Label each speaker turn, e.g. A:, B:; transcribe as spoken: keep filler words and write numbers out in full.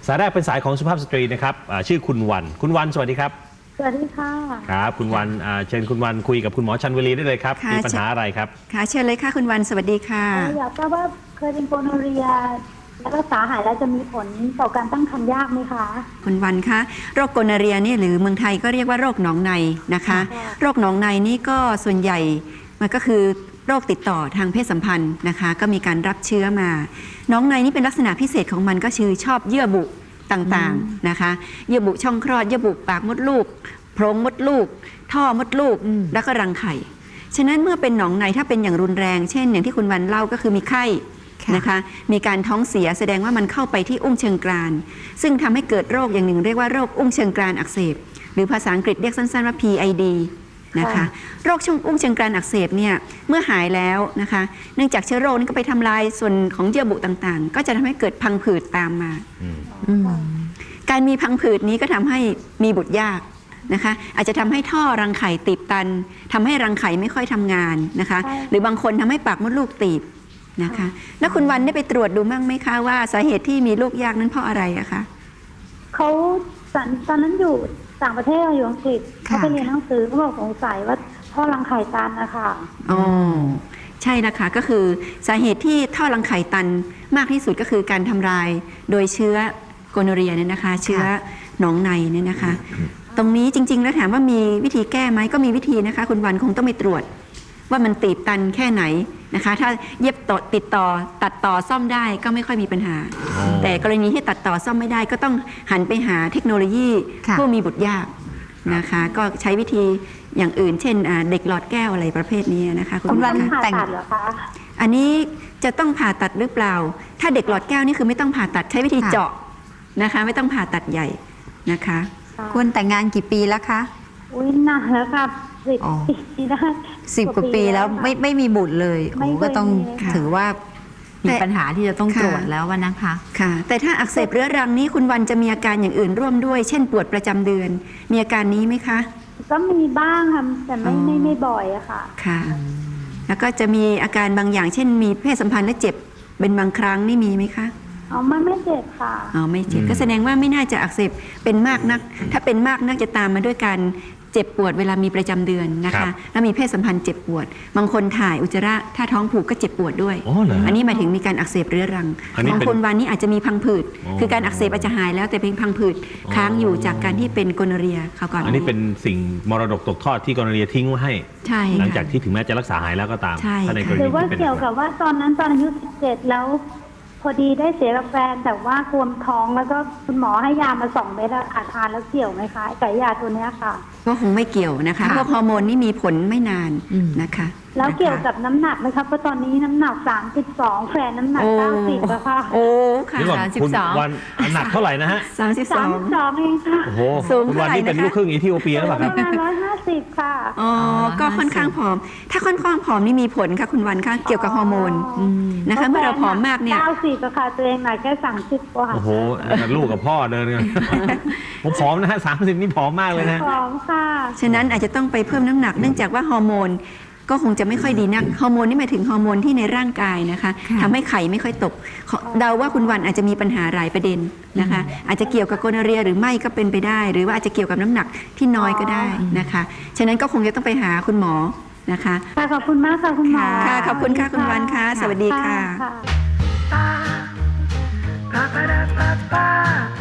A: สายแรกเป็นสายของสุภาพสตรีนะครับชื่อคุณวันคุณวันสวัสดีครับ
B: สวัสดีค่ะ
A: ครับคุณวันเชิญคุณวันคุยกับคุณหมอชันวลีได้เลยครับมีปัญหาอะไรครับ
C: ค่ะเชิญเลยค่ะคุณวันสวัสดีค่ะ
B: อยากทราบว่าเคยเป็นโกโนเรียแล้วรักษาหายแล้วจะมีผลต่อการตั้งครรภ์ยากไหมคะ
C: คุณวันคะโรคโกโนเรียนี่หรือเมืองไทยก็เรียกว่าโรคหนองในนะคะโรคหนองในนี่ก็ส่วนใหญ่มันก็คือโรคติดต่อทางเพศสัมพันธ์นะคะก็มีการรับเชื้อมาหนองในนี่เป็นลักษณะพิเศษของมันก็คือชอบเยื่อบุต่างๆนะคะเยื่อบุช่องคลอดเยื่อบุปากมดลูกโพรงมดลูกท่อมดลูกแล้วก็รังไข่ฉะนั้นเมื่อเป็นหนองในถ้าเป็นอย่างรุนแรงเช่นอย่างที่คุณวันเล่าก็คือมีไข้นะคะมีการท้องเสียแสดงว่ามันเข้าไปที่อุ้งเชิงกรานซึ่งทำให้เกิดโรคอย่างหนึ่งเรียกว่าโรคอุ้งเชิงกรานอักเสบหรือภาษาอังกฤษเรียกสั้นๆว่า พี ไอ ดี นะคะโรคช่องอุ้งเชิงกรานอักเสบเนี่ยเมื่อหายแล้วนะคะเนื่องจากเชื้อโรคนี้ก็ไปทำลายส่วนของเยื่อบุต่างๆก็จะทำให้เกิดพังผืดตามมาการมีพังผืดนี้ก็ทำให้มีบุตรยากนะคะอาจจะทำให้ท่อรังไข่ตีบตันทำให้รังไข่ไม่ค่อยทำงานนะคะหรือบางคนทำให้ปากมดลูกตีบนะคะแล้วคุณวันได้ไปตรวจดูมั่งไหมคะว่าสาเหตุที่มีลูกยากนั้นเพราะอะไรอะคะ
B: เขาตอนนั้นอยู่ต่างประเทศอยู่อังกฤษเขาไปเรียนหนังสือเขาบอกสงสัยว่าท่อรังไข่ตันนะคะ
C: อ๋อใช่นะคะก็คือสาเหตุที่ท่อรังไข่ตันมากที่สุดก็คือการทำลายโดยเชื้อโกโนเรียเนี่ยนะคะเชื้อหนองในเนี่ยนะคะตรงนี้จริงๆแล้วถามว่ามีวิธีแก้ไหมก็มีวิธีนะคะคุณวันคงต้องไปตรวจว่ามันตีบตันแค่ไหนนะคะถ้าเย็บต่อติดต่อตัดต่อซ่อมได้ก็ไม่ค่อยมีปัญหาแต่กรณีที่ตัดต่อซ่อมไม่ได้ก็ต้องหันไปหาเทคโนโลยีผู้มีบุตรยากนะคะก็ใช้วิธีอย่างอื่นเช่นเด็กหลอดแก้วอะไรประเภทนี้นะคะ
B: คุณวันผ่าตัดเหรอคะ
C: อันนี้จะต้องผ่าตัดหรือเปล่าถ้าเด็กหลอดแก้วนี่คือไม่ต้องผ่าตัดใช้วิธีเจาะนะคะไม่ต้องผ่าตัดใหญ่นะคะ
D: ควรแต่งงานกี่ปีแล้วคะ
B: อุ้ยนานแล้วครับสิบปีได้
D: สิบกว่าปีแล้วไม่ไม่มีบุตรเลยโอ้ก็ต้องถือว่ามีปัญหาที่จะต้องตรวจแล้วนะคะ
C: ค่ะแต่ถ้าอักเสบเรื้อรังนี้คุณวันจะมีอาการอย่างอื่นร่วมด้วยเช่นปวดประจำเดือนมีอาการนี้ไหมคะ
B: ก็มีบ้างค่ะแต่ไม่ไม่ไม่บ่อยอะค่ะ
C: ค่ะแล้วก็จะมีอาการบางอย่างเช่นมีเพศสัมพันธ์และเจ็บเป็นบางครั้งนี่มีไหมคะ
B: อ๋อไม่ไม่เจ็บค่ะ
C: อ๋อไม่เจ็บก็แสดงว่าไม่น่าจะอักเสบเป็นมากนักถ้าเป็นมากนักจะตามมาด้วยการเจ็บปวดเวลามีประจำเดือนนะคะแล้วมีเพศสัมพันธ์เจ็บปวดบางคนถ่ายอุจจาระถ้าท้องผูกก็เจ็บปวดด้วย
A: อ,
C: อันนี้หมายถึงมีการอักเสบเรื้อรังบางคนวันนี้อาจจะมีพังผืดคือการอักเสบอาจจะหายแล้วแต่เพียงพังผืดค้างอยู่จากการที่เป็นโกโนเรียเขาก่อน
A: อันนี้เป็นสิ่งมรดกตกทอดที่โกโนเรียทิ้งไว้ให้
C: ใช่
A: หลังจากที่ถึงแม้จะรักษาหายแล้วก็ตาม
B: หรือว่าเกี่ยวกับว่าตอนนั้นตอนอายุสิบเจ็ดแล้วพอดีได้เสียกับแฟนแต่ว่าควมท้องแล้วก็คุณหมอให้ยามาสองเม็ดอาทานแล้วเกี่ยวไหมคะกับยาตัวนี้ค่ะ
C: ก็คงไม่เกี่ยวนะคะเพราะฮอร์โมนนี่มีผลไม่นานนะคะ
B: แล้วเกี่ยวกับน้ำหนักไหมคะเพราะตอนนี้น้ำหนักสามสิบสองแฟนน้ำหนักเก้าสิบแล้วค่ะ
C: โอ้ค่ะ
A: สามสิบสองวันหนักเท่าไหร่นะฮะ
C: สามสิบสอง
B: เองค่ะ
A: โอ้โหคุณวันนี่เป็นลูกครึ่งอีธิโอเปียหรือเปล่าครับ
B: ประมาณร้อยห้าสิบค่ะ
C: อ๋อก็ค่อนข้างผอมถ้าค่อนข้างผอมนี่มีผลค่ะคุณวันค่ะเกี่ยวกับฮอร์โมนนะคะเมื่อเราผอมมากเนี่ย
B: เก้าสิบค่ะตัวเองหนักแค่สามสิบกว่า
A: โอ้โหลูกกับพ่อเดินกันผมผอมนะฮะสามสิบนี่ผอมมากเลยนะ
B: ผอมค่ะ
C: ฉะนั้นอาจจะต้องไปเพิ่มน้ำหนักเนื่องจากว่าฮอร์โมนก็คงจะไม่ค่อยดีนักฮอร์โมนนี่หมายถึงฮอร์โมนที่ในร่างกายนะคะทำให้ไข่ไม่ค่อยตกเดาว่าคุณวันอาจจะมีปัญหาหลายประเด็นนะคะอาจจะเกี่ยวกับโกโนเรียหรือไม่ก็เป็นไปได้หรือว่าอาจจะเกี่ยวกับน้ำหนักที่น้อยก็ได้นะคะฉะนั้นก็คงจะต้องไปหาคุณหมอนะคะ
B: ค่ะขอบคุณมากค่ะคุณหมอ
C: ค่ะขอบคุณค่ะคุณวันค่ะสวัสดีค่ะ